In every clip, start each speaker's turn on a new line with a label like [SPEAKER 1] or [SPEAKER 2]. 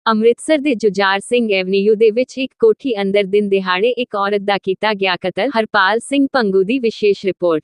[SPEAKER 1] ਅੰਮ੍ਰਿਤਸਰ ਦੇ ਜੁਝਾਰ ਸਿੰਘ ਐਵਨਿਊ ਦੇ ਵਿੱਚ ਇੱਕ ਕੋਠੀ ਅੰਦਰ ਦਿਨ ਦਿਹਾੜੇ ਇੱਕ ਔਰਤ ਦਾ ਕੀਤਾ ਗਿਆ ਕਤਲ। ਹਰਪਾਲ ਸਿੰਘ ਭੰਗੂ ਦੀ ਵਿਸ਼ੇਸ਼ ਰਿਪੋਰਟ।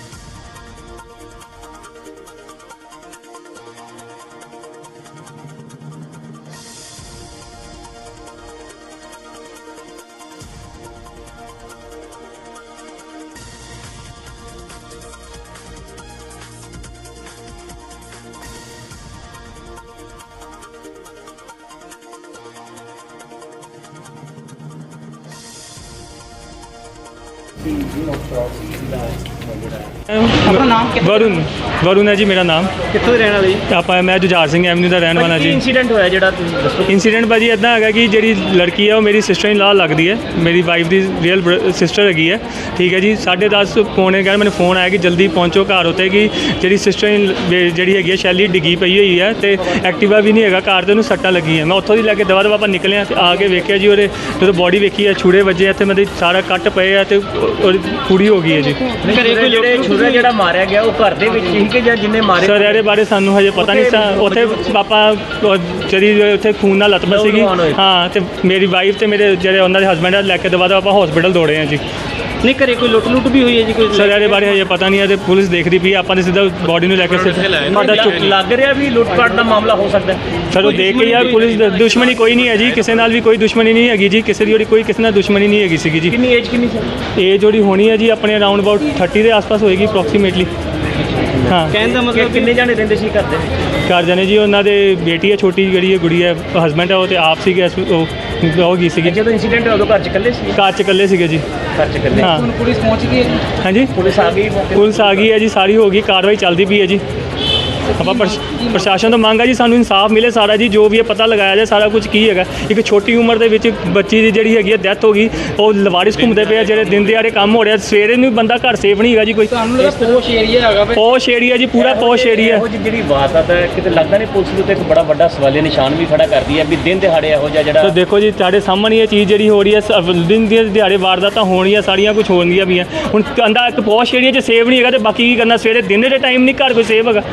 [SPEAKER 2] अपना नाम
[SPEAKER 3] वरुण वरुण है जी मेरा नाम।
[SPEAKER 2] कितों ਦੇ ਰਹਿਣ ਵਾਲੇ ਜੀ?
[SPEAKER 3] ਆਪਾਂ ਮੈਂ ਜੁਝਾਰ ਸਿੰਘ ਐਵਨਿਊ ਦਾ ਰਹਿਣ ਵਾਲਾ
[SPEAKER 2] ਕੀ
[SPEAKER 3] ਜੀ।
[SPEAKER 2] ਇਨਸੀਡੈਂਟ ਹੋਇਆ ਜਿਹੜਾ ਤੁਸੀਂ ਦੱਸੋ?
[SPEAKER 3] ਇੰਸੀਡੈਂਟ ਭਾਜੀ ਇੱਦਾਂ ਹੈਗਾ ਕਿ ਜਿਹੜੀ ਲੜਕੀ ਹੈ ਉਹ ਮੇਰੀ ਸਿਸਟਰ ਇਨ ਲਾ ਲੱਗਦੀ ਹੈ, ਮੇਰੀ ਵਾਈਫ ਦੀ ਰੀਅਲ ਸਿਸਟਰ ਹੈਗੀ ਹੈ। ਠੀਕ ਹੈ ਜੀ, 10:30 ਪੌਣੇ 11 ਮੈਨੂੰ ਫੋਨ ਆਇਆ ਕਿ ਜਲਦੀ ਪਹੁੰਚੋ ਘਰ ਉੱਤੇ ਕਿ ਜਿਹੜੀ ਸਿਸਟਰ ਇਨ ਜਿਹੜੀ ਹੈਗੀ ਹੈ ਸ਼ੈਲੀ ਡਿੱਗੀ ਪਈ ਹੋਈ ਹੈ ਤੇ ਐਕਟਿਵਾ ਵੀ ਨਹੀਂ ਹੈਗਾ ਘਰ ਤੇ ਉਹਨੂੰ ਸੱਟਾਂ ਲੱਗੀਆਂ। ਮੈਂ ਉੱਥੋਂ ਦੀ ਲੈ ਕੇ ਦਵਾ ਦਵਾ ਆਪਾਂ ਨਿਕਲੇ ਹਾਂ ਤੇ ਆ ਕੇ ਵੇਖਿਆ ਜੀ ਉਹਦੇ ਜਦੋਂ ਬੋਡੀ ਵੇਖੀ ਹੈ ਛੁਰੇ ਵੱਜੇ ਇੱਥੇ ਮੇਰੇ ਸਾਰਾ ਕੱਟ ਪਏ ਆ ਤੇ ਉਹਦੀ ਪੂਰੀ ਹੋ ਗਈ ਹੈ ਜੀ।
[SPEAKER 2] ਘਰੇ ਕੋਈ ਜਿਹੜੇ ਛੁਰਾ ਜਿਹੜਾ ਮਾਰਿਆ ਗਿਆ ਉਹ ਘਰ ਦੇ ਵਿੱਚ ਹੀ ਕਿ ਜਾਂ ਜਿੰਨੇ ਮਾਰੇ?
[SPEAKER 3] ਸਰ ਇਹਦੇ ਬਾਰੇ ਸਾਨੂੰ ਹਜੇ ਪਤਾ ਨਹੀਂ ਸਾ। ਉੱਥੇ ਪਾਪਾ ਜਿਹੜੀ ਉੱਥੇ ਖੂਨ ਨਾਲ ਲਤਮ ਸੀਗੀ। ਹਾਂ, ਤੇ ਮੇਰੀ ਵਾਈਫ ਤੇ ਮੇਰੇ ਜਿਹੜੇ ਉਹਨਾਂ ਦੇ ਹਸਬੈਂਡ ਆ ਲੈ ਕੇ ਦਵਾ ਦਵਾ ਆਪਾਂ ਹਸਪੀਟਲ ਦੌੜੇ ਹਾਂ ਜੀ।
[SPEAKER 2] ਨਹੀਂ ਘਰੇ ਕੋਈ ਲੁੱਟ ਵੀ ਹੋਈ ਹੈ ਜੀ ਕੋਈ?
[SPEAKER 3] ਸਰ ਇਹਦੇ ਬਾਰੇ ਹਜੇ ਪਤਾ ਨਹੀਂ ਹੈ ਤੇ ਪੁਲਿਸ ਦੇਖ ਰਹੀ ਪਈ। ਆਪਾਂ ਨੇ ਸਿੱਧਾ ਬੋਡੀ ਨੂੰ ਲੈ ਕੇ ਸਾਡਾ
[SPEAKER 2] ਲੱਗ ਰਿਹਾ ਵੀ ਲੁੱਟਪਾਟ ਦਾ ਮਾਮਲਾ ਹੋ ਸਕਦਾ।
[SPEAKER 3] ਸਰ ਉਹ ਦੇਖ ਕੇ ਯਾਰ ਪੁਲਿਸ ਦੁਸ਼ਮਣੀ ਕੋਈ ਨਹੀਂ ਹੈ ਜੀ, ਕਿਸੇ ਨਾਲ ਵੀ ਕੋਈ ਦੁਸ਼ਮਣੀ ਨਹੀਂ ਹੈਗੀ ਜੀ, ਕਿਸੇ ਦੀ ਜਿਹੜੀ ਕੋਈ ਕਿਸੇ ਨਾਲ ਦੁਸ਼ਮਣੀ ਨਹੀਂ ਹੈਗੀ ਸੀਗੀ ਜੀ।
[SPEAKER 2] ਕਿੰਨੀ ਏਜ ਕਿੰਨੀ ਸੀ?
[SPEAKER 3] ਏਜ ਜਿਹੜੀ ਹੋਣੀ ਹੈ ਜੀ ਆਪਣੇ ਅਰਾਊਂਡ ਅਬਾਊਟ 30 ਦੇ ਆਸ-ਪਾਸ ਹੋਏਗੀ ਅਪਰੋਕਸੀਮੇਟਲੀ। ਹਾਂ,
[SPEAKER 2] ਕਹਿਣ ਦਾ ਮਤਲਬ ਕਿੰਨੇ ਜਾਣੇ ਰਹਿੰਦੇ ਸੀ ਘਰ ਦੇ ਵਿੱਚ?
[SPEAKER 3] ਘਰ ਜਾਣੇ ਜੀ ਉਹਨਾਂ ਦੇ ਬੇਟੀ ਹੈ ਛੋਟੀ ਜਿਹੜੀ ਹੈ ਗੁੜੀ ਹੈ, ਹਸਬੈਂਡ ਹੈ ਉਹ ਤੇ ਆਪ ਸੀਗੇ। ਉਹ ਗਈ ਸੀਗੀ
[SPEAKER 2] ਜਦੋਂ ਇਨਸੀਡੈਂਟ ਹੋਇਆ ਉਦੋਂ ਘਰ ਚ ਇਕੱਲੇ ਸੀ?
[SPEAKER 3] ਘਰ 'ਚ ਇਕੱਲੇ ਸੀਗੇ ਜੀ।
[SPEAKER 2] ਘਰ ਚ ਇਕੱਲੇ।
[SPEAKER 3] ਹਾਂ।
[SPEAKER 2] ਹੁਣ ਪੁਲਿਸ ਪਹੁੰਚ ਗਈ ਹੈ ਜੀ?
[SPEAKER 3] ਹਾਂਜੀ,
[SPEAKER 2] ਪੁਲਿਸ ਆ ਗਈ?
[SPEAKER 3] ਪੁਲਿਸ ਆ ਗਈ ਹੈ ਜੀ, ਸਾਰੀ ਹੋ ਗਈ, ਕਾਰਵਾਈ ਚੱਲਦੀ ਪਈ ਹੈ ਜੀ। ਆਪਾਂ ਪ੍ਰਸ਼ਾਸਨ ਤੋਂ ਮੰਗ ਹੈ ਜੀ ਸਾਨੂੰ ਇਨਸਾਫ ਮਿਲੇ ਸਾਰਾ ਜੀ, ਜੋ ਵੀ ਇਹ ਪਤਾ ਲਗਾਇਆ ਜਾਏ ਸਾਰਾ ਕੁਝ ਕੀ ਹੈਗਾ। ਇੱਕ ਛੋਟੀ ਉਮਰ ਦੇ ਵਿੱਚ ਬੱਚੀ ਦੀ ਜਿਹੜੀ ਹੈਗੀ ਹੈ ਡੈਥ ਹੋ ਗਈ, ਉਹ ਲਵਾਰਿਸ ਘੁੰਮਦੇ ਪਏ ਆ ਜਿਹੜੇ ਦਿਨ ਦਿਹਾੜੇ ਕੰਮ ਹੋ ਰਿਹਾ, ਸਵੇਰੇ ਨੂੰ ਬੰਦਾ ਘਰ ਸੇਫ ਨਹੀਂ ਹੈਗਾ ਜੀ ਕੋਈ।
[SPEAKER 2] ਤੁਹਾਨੂੰ ਲੱਗਦਾ ਪੋਸ਼ ਏਰੀਆ ਹੈਗਾ?
[SPEAKER 3] ਪੋਸ਼ ਏਰੀਆ ਜੀ, ਪੂਰਾ ਪੋਸ਼ ਏਰੀਆ।
[SPEAKER 2] ਇਹੋ ਜਿਹੀ ਜਿਹੜੀ ਵਾਰਦਾਤ ਹੈ ਕਿਤੇ ਲੱਗਦਾ ਨਹੀਂ ਪੁਲਿਸ ਦੇ ਉੱਤੇ ਇੱਕ ਬੜਾ ਵੱਡਾ ਸਵਾਲੀਆ ਨਿਸ਼ਾਨ ਵੀ ਖੜਾ ਕਰਦੀ ਹੈ ਵੀ ਦਿਨ ਦਿਹਾੜੇ ਇਹੋ ਜਿਹਾ ਜਿਹੜਾ।
[SPEAKER 3] ਸੋ ਦੇਖੋ ਜੀ ਤੁਹਾਡੇ ਸਾਹਮਣੇ ਇਹ ਚੀਜ਼ ਜਿਹੜੀ ਹੋ ਰਹੀ ਹੈ, ਦਿਨ ਦੀ ਦਿਹਾੜੇ ਵਾਰਦਾਤਾਂ ਹੋਣੀਆਂ ਸਾਰੀਆਂ ਕੁਝ ਹੋਣਗੀਆਂ ਵੀ ਆ। ਹੁਣ ਕਹਿੰਦਾ ਇੱਕ ਪੋਸ਼ ਏਰੀਆ 'ਚ ਸੇਫ ਨਹੀਂ ਹੈਗਾ ਤੇ ਬਾਕੀ ਕੀ ਕਰਨਾ, ਸਵੇਰੇ ਦਿਨ ਦੇ ਟਾਈਮ ਨਹੀਂ ਘਰ ਕੋਈ ਸੇਫ ਹੈਗਾ।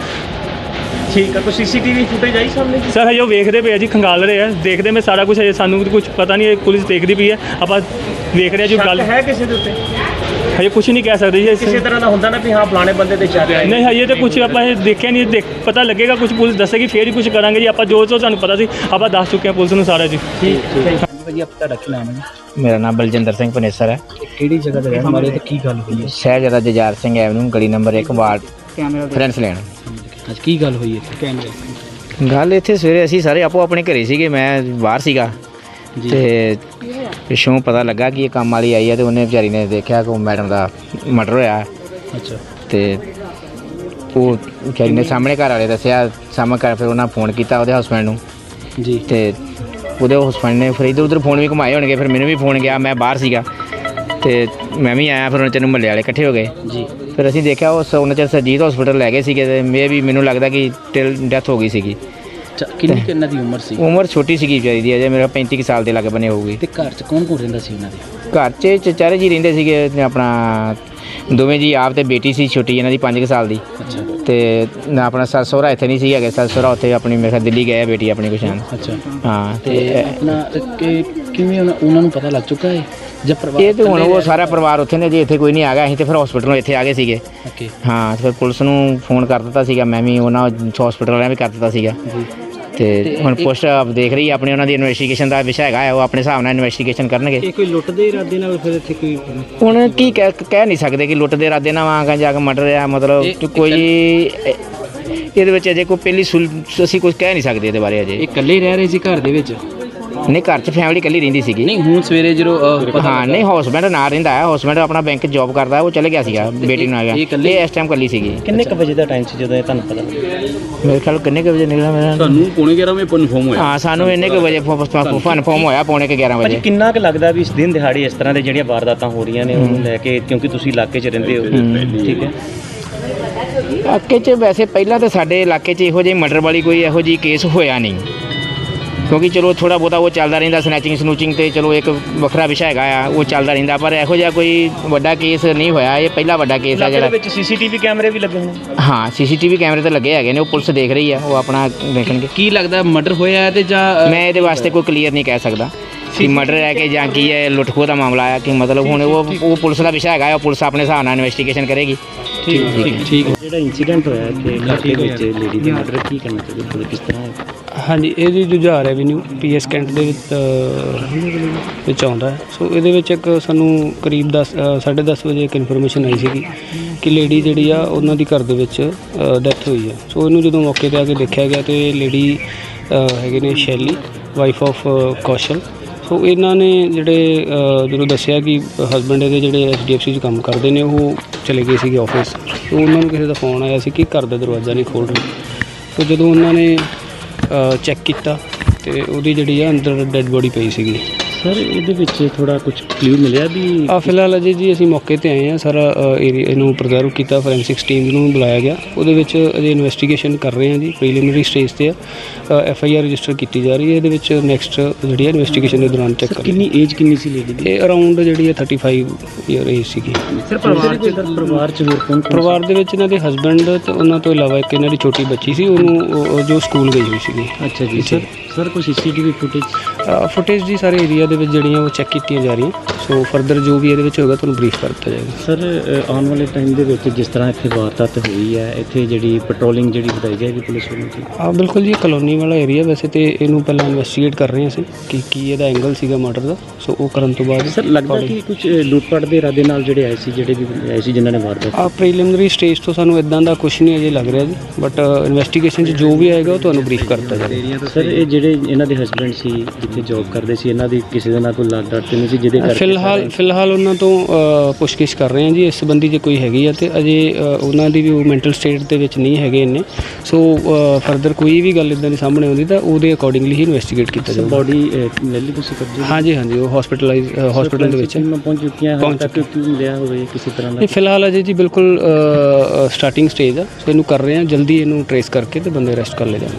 [SPEAKER 2] ਠੀਕ ਹੈ, ਕੋਈ ਸੀਸੀਟੀਵੀ ਫੁਟੇਜ ਆਈ ਸਾਹਮਣੇ?
[SPEAKER 3] ਸਰ ਹਜੇ ਉਹ ਵੇਖਦੇ ਪਏ ਆ ਜੀ, ਖੰਗਾਲ ਰਹੇ ਆ, ਦੇਖਦੇ ਮੈਂ ਸਾਰਾ ਕੁਝ ਹਜੇ ਸਾਨੂੰ ਕੁਝ ਪਤਾ ਨਹੀਂ, ਪੁਲਿਸ ਦੇਖਦੀ ਪਈ ਹੈ, ਆਪਾਂ ਵੇਖ ਰਹੇ ਆ ਜੋ ਗੱਲ
[SPEAKER 2] ਹੈ ਕਿਸੇ ਦੇ ਉੱਤੇ।
[SPEAKER 3] ਹਜੇ ਕੁਝ ਨਹੀਂ ਕਹਿ ਸਕਦੇ ਜੀ।
[SPEAKER 2] ਕਿਸੇ ਤਰ੍ਹਾਂ ਦਾ ਹੁੰਦਾ ਨਾ ਵੀ ਹਾਂ ਫਲਾਣੇ ਬੰਦੇ ਤੇ ਚੱਲ ਰਿਹਾ।
[SPEAKER 3] ਨਹੀਂ ਹਜੇ ਤਾਂ ਕੁਝ ਆਪਾਂ ਇਹ ਦੇਖਿਆ ਨਹੀਂ, ਪਤਾ ਲੱਗੇਗਾ ਕੁਝ ਪੁਲਿਸ ਦੱਸੇਗੀ ਫੇਰ ਹੀ ਕੁਝ ਕਰਾਂਗੇ ਜੀ। ਆਪਾਂ ਜੋ ਸਾਨੂੰ ਪਤਾ ਸੀ ਆਪਾਂ ਦੱਸ ਚੁੱਕੇ ਹਾਂ ਪੁਲਿਸ ਨੂੰ ਸਾਰਾ ਜੀ।
[SPEAKER 2] ਠੀਕ ਭਾਜੀ, ਆਪ ਤੁਹਾਡਾ ਕੀ ਨਾਮ ਹੈ ਜੀ?
[SPEAKER 4] ਮੇਰਾ ਨਾਮ ਬਲਜਿੰਦਰ ਸਿੰਘ ਪਨੇਸਰ ਹੈ।
[SPEAKER 2] ਕਿਹੜੀ ਜਗ੍ਹਾ ਤੇ ਰਹਿਣ ਵਾਲੇ ਤੇ ਕੀ ਗੱਲ ਹੋਈ ਹੈ?
[SPEAKER 4] ਸ਼ਹਿਜ਼ਾਦਾ ਜੁਝਾਰ ਸਿੰਘ ਐਵਨਿਊ ਗਲੀ ਨੰਬਰ 1 ਵਾਰਡ ਫਰੈਂਸ ਲੈਣ।
[SPEAKER 2] ਅੱਜ ਕੀ ਗੱਲ ਹੋਈ ਇੱਥੇ? ਕੈਮਰੇ
[SPEAKER 4] ਗੱਲ ਇੱਥੇ ਸਵੇਰੇ ਅਸੀਂ ਸਾਰੇ ਆਪੋ ਆਪਣੇ ਘਰੇ ਸੀਗੇ, ਮੈਂ ਬਾਹਰ ਸੀਗਾ ਤੇ ਪਿੱਛੋਂ ਪਤਾ ਲੱਗਾ ਕਿ ਇਹ ਕੰਮ ਵਾਲੀ ਆਈ ਹੈ ਤੇ ਉਹਨੇ ਵਿਚਾਰੀ ਨੇ ਦੇਖਿਆ ਕਿ ਮੈਡਮ ਦਾ ਮਰਡਰ ਹੋਇਆ।
[SPEAKER 2] ਅੱਛਾ।
[SPEAKER 4] ਤੇ ਉਹ ਵਿਚਾਰੀ ਨੇ ਸਾਹਮਣੇ ਘਰ ਵਾਲੇ ਦੱਸਿਆ, ਸਾਹਮਣੇ ਘਰ ਫਿਰ ਉਹਨਾਂ ਫੋਨ ਕੀਤਾ ਉਹਦੇ ਹਸਬੈਂਡ ਨੂੰ
[SPEAKER 2] ਜੀ। ਤੇ
[SPEAKER 4] ਉਹਦੇ ਹਸਬੈਂਡ ਨੇ ਫਿਰ ਇੱਧਰ ਉੱਧਰ ਫੋਨ ਵੀ ਘੁਮਾਏ ਹੋਣਗੇ, ਫਿਰ ਮੈਨੂੰ ਵੀ ਫੋਨ ਗਿਆ, ਮੈਂ ਬਾਹਰ ਸੀਗਾ ਤੇ ਮੈਂ ਵੀ ਆਇਆ। ਫਿਰ ਉਹਨਾਂ ਚਿਰ ਮਹੱਲੇ ਵਾਲੇ ਇਕੱਠੇ ਹੋ ਗਏ ਜੀ। ਫਿਰ ਅਸੀਂ ਦੇਖਿਆ ਉਹਨਾਂ ਚਿਰ ਸਰਜੀਤ ਹਸਪੀਟਲ ਲੈ ਗਏ ਸੀਗੇ ਤੇ ਮੈਨੂੰ ਲੱਗਦਾ ਕਿ ਡੈਥ ਹੋ ਗਈ ਸੀਗੀ।
[SPEAKER 2] ਕਿੰਨਾ ਦੀ ਉਮਰ ਸੀ?
[SPEAKER 4] ਉਮਰ ਛੋਟੀ ਸੀਗੀ ਵਿਚਾਰੀ ਦੀ, ਅਜੇ ਮੇਰਾ 35 ਸਾਲ ਦੇ ਲਾਗੇ ਬਣੇ ਹੋਊਗੀ।
[SPEAKER 2] ਤੇ ਘਰ 'ਚ ਕੌਣ ਰਹਿੰਦਾ ਸੀ ਉਹਨਾਂ ਦੇ?
[SPEAKER 4] ਘਰ 'ਚ ਚਚਾਰੇ ਜੀ ਰਹਿੰਦੇ ਸੀਗੇ, ਆਪਣਾ ਦੋਵੇਂ ਜੀ, ਆਪ ਤੇ ਬੇਟੀ ਸੀ ਛੋਟੀ ਇਹਨਾਂ ਦੀ 5 ਸਾਲ ਦੀ।
[SPEAKER 2] ਅੱਛਾ।
[SPEAKER 4] ਤੇ ਆਪਣਾ ਸੱਸ ਸਹੁਰਾ ਇੱਥੇ ਨਹੀਂ ਸੀ ਹੈਗੇ, ਸੱਸ ਸਹੁਰਾ ਉੱਥੇ ਆਪਣੀ ਮੇਰੇ ਖਿਆਲ ਦਿੱਲੀ ਗਏ ਬੇਟੀ ਆਪਣੀ ਕੁਛ।
[SPEAKER 2] ਅੱਛਾ।
[SPEAKER 4] ਹਾਂ।
[SPEAKER 2] ਤੇ ਆਪਣਾ ਕਿਵੇਂ ਉਹਨਾਂ ਨੂੰ ਪਤਾ ਲੱਗ ਚੁੱਕਾ ਹੈ ਜਾਂ ਪਰਿਵਾਰ?
[SPEAKER 4] ਇਹ ਤਾਂ ਹੁਣ ਉਹ ਸਾਰਾ ਪਰਿਵਾਰ ਉੱਥੇ ਨੇ ਜੀ, ਇੱਥੇ ਕੋਈ ਨਹੀਂ ਆ ਗਿਆ। ਅਸੀਂ ਤੇ ਫਿਰ ਹਸਪੀਟਲੋਂ ਇੱਥੇ ਆ ਗਏ ਸੀਗੇ। ਹਾਂ, ਫਿਰ ਪੁਲਿਸ ਨੂੰ ਫੋਨ ਕਰ ਦਿੱਤਾ ਸੀਗਾ, ਮੈਂ ਵੀ ਉਹਨਾਂ ਹਸਪੀਟਲ ਵਾਲਿਆਂ ਵੀ ਕਰ ਦਿੱਤਾ ਸੀਗਾ। ਤੇ ਹੁਣ ਪੁਲਿਸ ਦੇਖ ਰਹੀ ਆਪਣੀ, ਉਹਨਾਂ ਦੀ ਇਨਵੈਸਟੀਗੇਸ਼ਨ ਦਾ ਵਿਸ਼ਾ ਹੈਗਾ, ਉਹ ਆਪਣੇ ਹਿਸਾਬ ਨਾਲ ਇਨਵੈਸਟੀਗੇਸ਼ਨ ਕਰਨਗੇ।
[SPEAKER 2] ਇਹ ਕੋਈ ਲੁੱਟ ਦੇ ਇਰਾਦੇ ਨਾਲ ਫਿਰ ਇੱਥੇ ਕੋਈ
[SPEAKER 4] ਹੁਣ ਕੀ ਕਹਿ ਨਹੀਂ ਸਕਦੇ ਕਿ ਲੁੱਟ ਦੇ ਇਰਾਦੇ ਨਾਲ ਆਂਗਾ ਜਾ ਕੇ ਮਰਡਰ ਆ, ਮਤਲਬ ਕੋਈ ਇਹਦੇ ਵਿੱਚ ਅਜੇ ਕੋਈ ਪਹਿਲੀ ਅਸੀਂ ਕੁਝ ਕਹਿ ਨਹੀਂ ਸਕਦੇ ਇਹਦੇ ਬਾਰੇ ਅਜੇ।
[SPEAKER 2] ਇਹ ਇਕੱਲੇ ਰਹਿ ਰਹੇ ਸੀ ਘਰ ਦੇ ਵਿੱਚ?
[SPEAKER 4] ਨਹੀਂ, ਘਰ 'ਚ ਫੈਮਿਲੀ ਇਕੱਲੀ ਰਹਿੰਦੀ ਸੀਗੀ।
[SPEAKER 2] ਨਹੀਂ ਹੁਣ ਸਵੇਰੇ ਜਦੋਂ
[SPEAKER 4] ਹਾਂ, ਨਹੀਂ ਹਸਬੈਂਡ ਨਾਲ ਰਹਿੰਦਾ ਹੈ, ਹਸਬੈਂਡ ਆਪਣਾ ਬੈਂਕ 'ਚ ਜੋਬ ਕਰਦਾ, ਉਹ ਚਲੇ ਗਿਆ ਸੀਗਾ, ਬੇਟੀ ਨੂੰ ਆ ਗਿਆ। ਇਹ ਇਸ ਟਾਈਮ ਇਕੱਲੀ ਸੀਗੀ।
[SPEAKER 2] ਕਿੰਨੇ ਕੁ ਵਜੇ ਦਾ ਟਾਈਮ ਸੀ ਜਦੋਂ ਇਹ ਤੁਹਾਨੂੰ ਪਤਾ ਲੱਗਿਆ?
[SPEAKER 4] ਮੇਰੇ ਖਿਆਲ ਕਿੰਨੇ ਕੁ ਵਜੇ ਨਿਕਲਿਆ ਮੇਰਾ?
[SPEAKER 2] ਤੁਹਾਨੂੰ ਪੌਣੇ 11 ਵਜੇ ਕਨਫਰਮ ਹੋਇਆ? ਹਾਂ,
[SPEAKER 4] ਸਾਨੂੰ ਇੰਨੇ ਕੁ ਵਜੇ ਕਨਫਰਮ ਹੋਇਆ, ਪੌਣੇ 11 ਵਜੇ।
[SPEAKER 2] ਕਿੰਨਾ ਕੁ ਲੱਗਦਾ ਵੀ ਇਸ ਦਿਨ ਦਿਹਾੜੇ ਇਸ ਤਰ੍ਹਾਂ ਦੇ ਜਿਹੜੀਆਂ ਵਾਰਦਾਤਾਂ ਹੋ ਰਹੀਆਂ ਨੇ ਉਹਨੂੰ ਲੈ ਕੇ, ਕਿਉਂਕਿ ਤੁਸੀਂ ਇਲਾਕੇ 'ਚ ਰਹਿੰਦੇ ਹੋ, ਠੀਕ ਹੈ?
[SPEAKER 4] ਇਲਾਕੇ 'ਚ ਵੈਸੇ ਪਹਿਲਾਂ ਤਾਂ ਸਾਡੇ ਇਲਾਕੇ 'ਚ ਇਹੋ ਜਿਹੀ ਮਰਡਰ ਵਾਲੀ ਕੋਈ ਇਹੋ ਜਿਹੀ ਕੇਸ ਹੋਇਆ ਨਹੀਂ। ਕਿਉਂਕਿ ਚਲੋ ਥੋੜਾ ਬਹੁਤਾ ਉਹ ਚੱਲਦਾ ਰਹਿੰਦਾ, ਸਨੈਚਿੰਗ ਸਨੂਚਿੰਗ ਤੇ ਚਲੋ ਇੱਕ ਵੱਖਰਾ ਵਿਸ਼ਾ ਹੈਗਾ ਆ, ਉਹ ਚੱਲਦਾ ਰਹਿੰਦਾ, ਪਰ ਇਹੋ ਜਿਹਾ ਕੋਈ ਵੱਡਾ ਕੇਸ ਨਹੀਂ ਹੋਇਆ। ਇਹ ਪਹਿਲਾ ਵੱਡਾ ਕੇਸ ਆ
[SPEAKER 2] ਇਲਾਕੇ
[SPEAKER 4] ਜਿਹੜਾ।
[SPEAKER 2] ਦੇ ਵਿੱਚ ਸੀਸੀਟੀਵੀ ਕੈਮਰੇ ਵੀ ਲੱਗੇ ਹੋਏ ਨੇ।
[SPEAKER 4] ਹਾਂ, ਸੀਸੀਟੀਵੀ ਕੈਮਰੇ ਤੇ ਲੱਗੇ ਹੈਗੇ ਨੇ, ਉਹ ਪੁਲਿਸ ਦੇਖ ਰਹੀ ਆ, ਉਹ ਆਪਣਾ ਦੇਖਣਗੇ।
[SPEAKER 5] ਕੀ ਲੱਗਦਾ ਮਰਡਰ ਹੋਇਆ ਹੈ ਤੇ ਜਾਂ
[SPEAKER 4] ਮੈਂ ਇਹਦੇ ਵਾਸਤੇ ਕੋਈ ਕਲੀਅਰ ਨਹੀਂ ਕਹਿ ਸਕਦਾ ਕਿ ਮਰਡਰ ਹੈ ਕਿ ਜਾਂ ਕੀ ਹੈ, ਲੁੱਟ ਖੋਹ ਦਾ ਮਾਮਲਾ ਆ ਕਿ ਮਤਲਬ ਹੁਣ ਉਹ ਪੁਲਿਸ ਦਾ ਵਿਸ਼ਾ ਹੈਗਾ, ਉਹ ਪੁਲਿਸ ਆਪਣੇ ਹਿਸਾਬ ਨਾਲ ਇਨਵੈਸਟੀਗੇਸ਼ਨ ਕਰੇਗੀ।
[SPEAKER 5] ਠੀਕ
[SPEAKER 2] ਜਿਹੜਾ ਇਨਸੀਡੈਂਟ ਹੋਇਆ ਇੱਥੇ ਇਲਾਕੇ ਵਿੱਚ ਲੇਡੀ ਦਾ ਮਰਡਰ, ਕੀ ਕਰਨਾ ਚਾਹੀਦਾ, ਕਿਸ ਤਰ੍ਹਾਂ ਹੈ?
[SPEAKER 6] ਹਾਂਜੀ, ਇਹਦੀ ਜੁਝਾਰ ਐਵੀਨਿਊ ਪੀਐਸ ਕੈਂਟ ਦੇ ਵਿੱਚ ਆਉਂਦਾ ਹੈ। ਸੋ ਇਹਦੇ ਵਿੱਚ ਇੱਕ ਸਾਨੂੰ ਕਰੀਬ 10:30 ਵਜੇ ਇੱਕ ਇਨਫੋਰਮੇਸ਼ਨ ਆਈ ਸੀਗੀ ਕਿ ਲੇਡੀ ਜਿਹੜੀ ਆ ਉਹਨਾਂ ਦੀ ਘਰ ਦੇ ਵਿੱਚ ਡੈਥ ਹੋਈ ਹੈ। ਸੋ ਇਹਨੂੰ ਜਦੋਂ ਮੌਕੇ 'ਤੇ ਆ ਕੇ ਦੇਖਿਆ ਗਿਆ ਤੇ ਲੇਡੀ ਹੈਗੇ ਨੇ ਸ਼ੈਲੀ, ਵਾਈਫ ਆਫ ਕੌਸ਼ਲ। ਸੋ ਇਹਨਾਂ ਨੇ ਜਿਹੜੇ ਜਦੋਂ ਦੱਸਿਆ ਕਿ ਹਸਬੈਂਡ ਇਹਦੇ ਜਿਹੜੇ HDFC 'ਚ ਕੰਮ ਕਰਦੇ ਨੇ, ਉਹ ਚਲੇ ਗਏ ਸੀਗੇ ਆਫਿਸ। ਸੋ ਉਹਨਾਂ ਨੂੰ ਕਿਸੇ ਦਾ ਫੋਨ ਆਇਆ ਸੀ ਕਿ ਘਰ ਦਾ ਦਰਵਾਜ਼ਾ ਨਹੀਂ ਖੋਲ੍ਹ ਰਹੇ। ਸੋ ਜਦੋਂ ਉਹਨਾਂ ਨੇ ਚੈੱਕ ਕੀਤਾ ਤੇ ਉਹਦੀ ਜਿਹੜੀ ਆ ਅੰਦਰ ਡੈੱਡ ਬੋਡੀ ਪਈ ਸੀਗੀ।
[SPEAKER 2] ਸਰ ਇਹਦੇ ਵਿੱਚ ਥੋੜਾ ਕੁਝ ਕਲੂ ਮਿਲਿਆ ਵੀ?
[SPEAKER 6] ਫਿਲਹਾਲ ਅਜੇ ਜੀ ਅਸੀਂ ਮੌਕੇ ਤੇ ਆਏ ਹਾਂ, ਸਾਰਾ ਏਰੀਆ ਨੂੰ ਪ੍ਰੀਜ਼ਰਵ ਕੀਤਾ, ਫੋਰੈਂਸਿਕਸ ਟੀਮ ਨੂੰ ਬੁਲਾਇਆ ਗਿਆ। ਉਹਦੇ ਵਿੱਚ ਅਜੇ ਇਨਵੈਸਟੀਗੇਸ਼ਨ ਕਰ ਰਹੇ ਹਾਂ ਜੀ, ਪ੍ਰੀਲਿਮਿਨਰੀ ਸਟੇਜ ਤੇ ਆ। FIR ਰਜਿਸਟਰ ਕੀਤੀ ਜਾ ਰਹੀ ਹੈ। ਇਹਦੇ ਵਿੱਚ ਨੈਕਸਟ ਜਿਹੜੀ ਹੈ ਇਨਵੈਸਟੀਗੇਸ਼ਨ ਦੇ ਦੌਰਾਨ ਚੈੱਕ ਕਰ।
[SPEAKER 2] ਕਿੰਨੀ ਏਜ ਕਿੰਨੀ ਸੀ ਲੇਡੀ ਦੀ?
[SPEAKER 6] ਇਹ ਅਰਾਊਂਡ ਜਿਹੜੀ ਹੈ 35 ਈਅਰ ਏਜ ਸੀਗੀ।
[SPEAKER 2] ਸਰ ਪਰਿਵਾਰ ਚ ਹੋਰ ਕੌਣ?
[SPEAKER 6] ਪਰਿਵਾਰ ਦੇ ਵਿੱਚ ਇਹਨਾਂ ਦੇ ਹਸਬੈਂਡ ਤੇ ਉਹਨਾਂ ਤੋਂ ਇਲਾਵਾ ਇੱਕ ਇਹਨਾਂ ਦੀ ਛੋਟੀ ਬੱਚੀ ਸੀ, ਉਹਨੂੰ ਜੋ ਸਕੂਲ ਗਈ ਹੋਈ ਸੀਗੀ।
[SPEAKER 2] ਅੱਛਾ ਜੀ। ਸਰ ਕੋਈ CCTV
[SPEAKER 6] ਫੁਟੇਜ ਦੀ ਸਾਰੇ ਏਰੀਆ ਦੇ ਵਿੱਚ ਜਿਹੜੀਆਂ ਉਹ ਚੈੱਕ ਕੀਤੀਆਂ ਜਾ ਰਹੀਆਂ। ਸੋ ਫਰਦਰ ਜੋ ਵੀ ਇਹਦੇ ਵਿੱਚ ਹੋਏਗਾ ਤੁਹਾਨੂੰ ਬਰੀਫ ਕਰ ਦਿੱਤਾ ਜਾਏਗਾ।
[SPEAKER 2] ਸਰ ਆਉਣ ਵਾਲੇ ਟਾਈਮ ਦੇ ਵਿੱਚ ਜਿਸ ਤਰ੍ਹਾਂ ਇੱਥੇ ਵਾਰਦਾਤ ਹੋਈ ਹੈ, ਇੱਥੇ ਜਿਹੜੀ ਪੈਟਰੋਲਿੰਗ ਜਿਹੜੀ ਵਧਾਈ ਜਾਏਗੀ ਪੁਲਿਸ ਵੱਲੋਂ?
[SPEAKER 6] ਬਿਲਕੁਲ ਜੀ, ਕਲੋਨੀ ਵਾਲਾ ਏਰੀਆ ਵੈਸੇ ਤੇ ਇਹਨੂੰ ਪਹਿਲਾਂ ਇਨਵੈਸਟੀਗੇਟ ਕਰ ਰਹੇ ਅਸੀਂ ਕਿ ਕੀ ਇਹਦਾ ਐਂਗਲ ਸੀਗਾ ਮਰਡਰ ਦਾ। ਸੋ ਉਹ ਕਰਨ ਤੋਂ ਬਾਅਦ
[SPEAKER 2] ਸਰ ਲੱਗਦਾ ਕਿ ਕੁਝ ਲੁੱਟਪਾਟ ਦੇ ਇਰਾਦੇ ਨਾਲ ਜਿਹੜੇ ਆਏ ਸੀ ਜਿਨ੍ਹਾਂ ਨੇ ਵਾਰਦਾਤ?
[SPEAKER 6] ਪ੍ਰੀਲਿਮਿਨਰੀ ਸਟੇਜ ਤੋਂ ਸਾਨੂੰ ਇਦਾਂ ਦਾ ਕੁਝ ਨਹੀਂ ਅਜੇ ਲੱਗ ਰਿਹਾ ਜੀ, ਬਟ ਇਨਵੈਸਟੀਗੇਸ਼ਨ 'ਚ ਜੋ ਵੀ ਆਏਗਾ ਉਹ ਤੁਹਾਨੂੰ ਬਰੀਫ ਕਰ ਦਿੱਤਾ ਜਾਏਗਾ।
[SPEAKER 2] ਸਰ ਇਹ ਜਿਹੜੇ ਇਹਨਾਂ ਦੇ ਹਸਬੈਂਡ ਸੀ, ਜਿੱਥੇ ਜੌਬ ਕਰਦੇ ਸੀ, ਇਹਨਾਂ ਦੀ ਕਿਸੇ ਦੇ ਨਾਲ ਕੋਈ ਲੱਗ ਡਾਟ ਨਹੀਂ ਸੀ ਜਿਹਦੇ ਕਰਕੇ?
[SPEAKER 6] ਫਿਲਹਾਲ ਉਹਨਾਂ ਤੋਂ ਪੁੱਛਗਿੱਛ ਕਰ ਰਹੇ ਹਾਂ ਜੀ ਇਸ ਸੰਬੰਧੀ, ਜੇ ਕੋਈ ਹੈਗੀ ਆ ਤੇ ਅਜੇ ਉਹਨਾਂ ਦੀ ਵੀ ਉਹ ਮੈਂਟਲ ਸਟੇਟ ਦੇ ਵਿੱਚ ਨਹੀਂ ਹੈਗੇ ਇੰਨੇ। ਸੋ ਫਰਦਰ ਕੋਈ ਵੀ ਗੱਲ ਇਦਾਂ ਦੀ ਸਾਹਮਣੇ ਆਉਂਦੀ ਤਾਂ ਉਹਦੇ ਅਕੋਰਡਿੰਗਲੀ ਹੀ ਇਨਵੈਸਟੀਗੇਟ ਕੀਤਾ ਜਾਊਗਾ।
[SPEAKER 2] ਬੋਡੀ ਲੈ ਲਈ ਤੁਸੀਂ ਕਬਜ਼ੇ?
[SPEAKER 6] ਹਾਂਜੀ, ਉਹ ਹਸਪੀਟਲ ਦੇ ਵਿੱਚ
[SPEAKER 2] ਪਹੁੰਚ ਚੁੱਕੀਆਂ ਹਨ ਤੱਕ, ਕਿਉਂ ਮਿਲਿਆ ਹੋਵੇ ਕਿਸੇ ਤਰ੍ਹਾਂ ਦਾ?
[SPEAKER 6] ਫਿਲਹਾਲ ਅਜੇ ਜੀ ਬਿਲਕੁਲ ਸਟਾਰਟਿੰਗ ਸਟੇਜ ਆ। ਸੋ ਇਹਨੂੰ ਕਰ ਰਹੇ ਹਾਂ, ਜਲਦੀ ਇਹਨੂੰ ਟਰੇਸ ਕਰਕੇ ਤੇ ਬੰਦੇ ਅਰੈਸਟ ਕਰ ਲਏ ਜਾਣਗੇ।